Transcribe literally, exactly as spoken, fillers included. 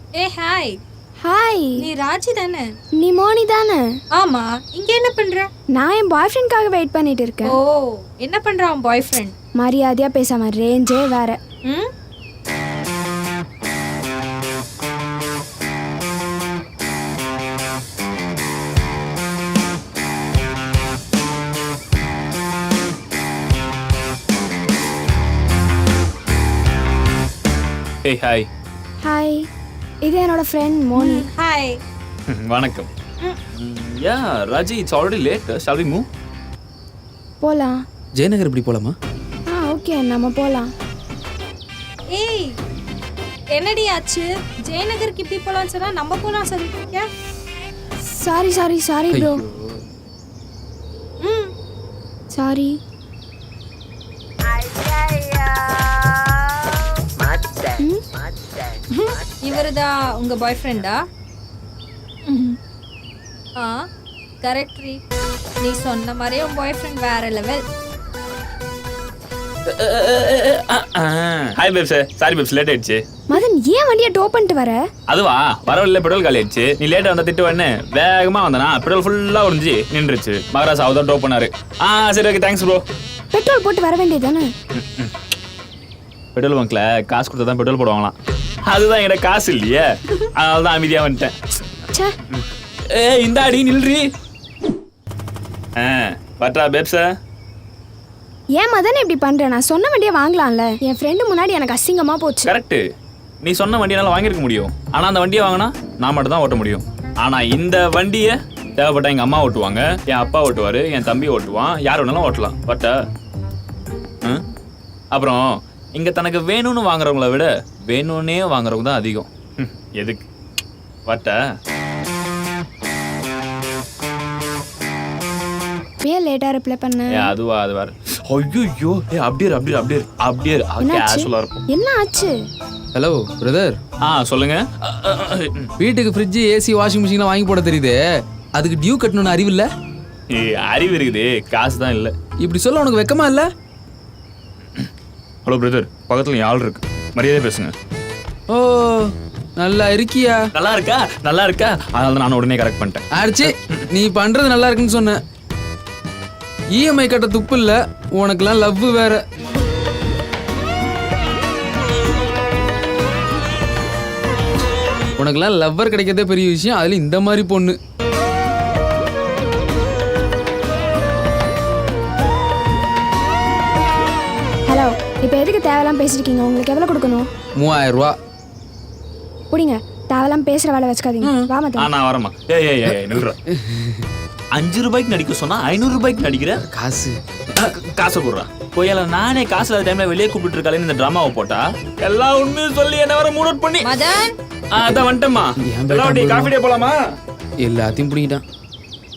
ஏ hi. Hi. நீ ராஜி தானே? நீ மோனி தானே? ஆமா. இங்க என்ன பண்ற? நான் என் பாய் ஃப்ரெண்ட்காக வெயிட் பண்ணிட்டு இருக்கேன். ஓ, என்ன பண்றான் உன் பாய் ஃப்ரெண்ட்? மரியாதையா பேசாம, ரேஞ்சே வேற. ம் ஹே ஹாய். ஹாய். இது என்னோட ஃப்ரெண்ட் மோனி. ஹாய். வணக்கம். Yeah Raji, it's already late. Shall we move? போலாம். ஜெயநகர் இப்படி போலாமா? ஆ ஓகே, நம்ம போலாம். ஏய், என்னடி ஆச்சு? ஜெயநகருக்கு இப்படி போலாம்னு சொன்னா நம்ம போலாம் சொல்லிருக்க. Sorry sorry sorry bro. Hmm sorry. இவருதான் உங்க பாய் ஃப்ரெண்டா? ஆ கரெக்ட் ரீ. நீ சொன்ன மாதிரியே உன் பாய் ஃப்ரெண்ட் வேற level. Hi babes. Sorry babes, late ஆயிடுச்சு. மதன், ஏன் வண்டியை டோ பண்ணிட்டு வர? அதுவா, வரவில்லை, பெட்ரோல் காலி ஆயிடுச்சு. நீ லேட்டா வந்தா திட்டு வேணே வேகமா வந்தனா பெட்ரோல் ஃபுல்லா உறிஞ்சி நின்றுச்சு. மகராஜ் அவதான் டோ பண்ணாரு. ஆ சரி, ஓகே, தேங்க்ஸ் ப்ரோ. பெட்ரோல் போட்டு வர வேண்டியதானே? பெட்ரோல் பங்க்ல காசு கொடுத்தா தான் பெட்ரோல் போடுவாங்களாம். அதுதான் என்கிட்ட காசு இல்லையே, அதனால தான் அமைதியா வந்துட்டேன். ச்சே. ஏ இந்த அடி நில்றி. ஆ பட்டா பேப்ஸ. ஏன் மதன் இப்படி பண்ற? நான் சொன்ன வண்டியை வாங்கலாம்ல. என் ஃப்ரெண்டு முன்னாடி எனக்கு அசிங்கமா போச்சு. கரெக்ட். நீ சொன்ன வண்டியால வாங்கியிருக்க முடியும். ஆனா அந்த வண்டியை வாங்கினா நான் மட்டும் தான் ஓட்ட முடியும். ஆனா இந்த வண்டியை தேவைப்பட்டா எங்க அம்மா ஓட்டுவாங்க, என் அப்பா ஓட்டுவாரு, என் தம்பி ஓட்டுவான், யார் வேணாலும் ஓட்டலாம். பட் அப்புறம் இங்க தனக்கு வேணும்னு வாங்குறவங்கள விட வேணும்னே வாங்குறவங்க தான் அதிகம். எதுக்கு பட்ட ஏன் லேட்டா ரிப்ளை பண்ண? அதுவா, அது வேற. ஐயோ, ஏ அப்படியே அப்படியே அப்படியே அப்படியே கேஷுவலா இருக்கும். என்ன ஆச்சு? Hello brother. ஆ சொல்லுங்க. வீட்டுக்கு ஃப்ரிட்ஜ், ஏசி, வாஷிங் மிஷின்லாம் வாங்கி போட தெரியுது. அதுக்கு டியூ கட்டணும்னு அறிவு இல்ல? அறிவு இருக்குது, காசு தான் இல்ல. இப்படி சொல்ல உனக்கு வெக்கமா இல்ல? ஹலோ பிரதர், பக்கத்துல ஆள் இருக்கு, மரியாதை பேசுங்க. ஓ, நல்லா இருக்கியா? நல்லா இருக்கா? நல்லா இருக்கா? அதனால தான் நான் உடனே கரெக்ட் பண்ணிட்டேன். ஆச்சு, நீ பண்றது நல்லா இருக்குன்னு சொன்ன. இஎம்ஐ கட்ட துப்பு இல்ல உனக்குலாம். லவ் வேற. உனக்குலாம் லவ்வர் கிடைக்கிறதே பெரிய விஷயம், அதுல இந்த மாதிரி பொண்ணு. ஹலோ, இப்போ எதுக்கு தேவையெல்லாம் பேசிருக்கீங்க? உங்களுக்கு எவ்வளவு கொடுக்கணும்? மூவாயிரம் ரூபா. புடிங்க. தேவையெல்லாம் பேசுற வேலை வச்சுக்காதீங்க. வா ஆ மதன். நான் வரமா. ஏய் ஏய் ஏய் நில்றா. அஞ்சு ரூபாய்க்கு நடிக்க சொன்னா ஐநூறு ரூபாய்க்கு நடிக்கிற. காசு காசை கொடுறா. போயல நானே காசு இல்லாத டைம்ல வெளியே கூப்பிட்டு இருக்காளேன்னு இந்த டிராமாவை போட்டா எல்லா உண்மையும் சொல்லி என்ன வர மூட் அவுட் பண்ணி. மதன், அதான் வந்துட்டேம்மா. ஏன் எல்லாம் காஃபி டே போலாமா? எல்லாத்தையும் பிடிக்கிட்டான்.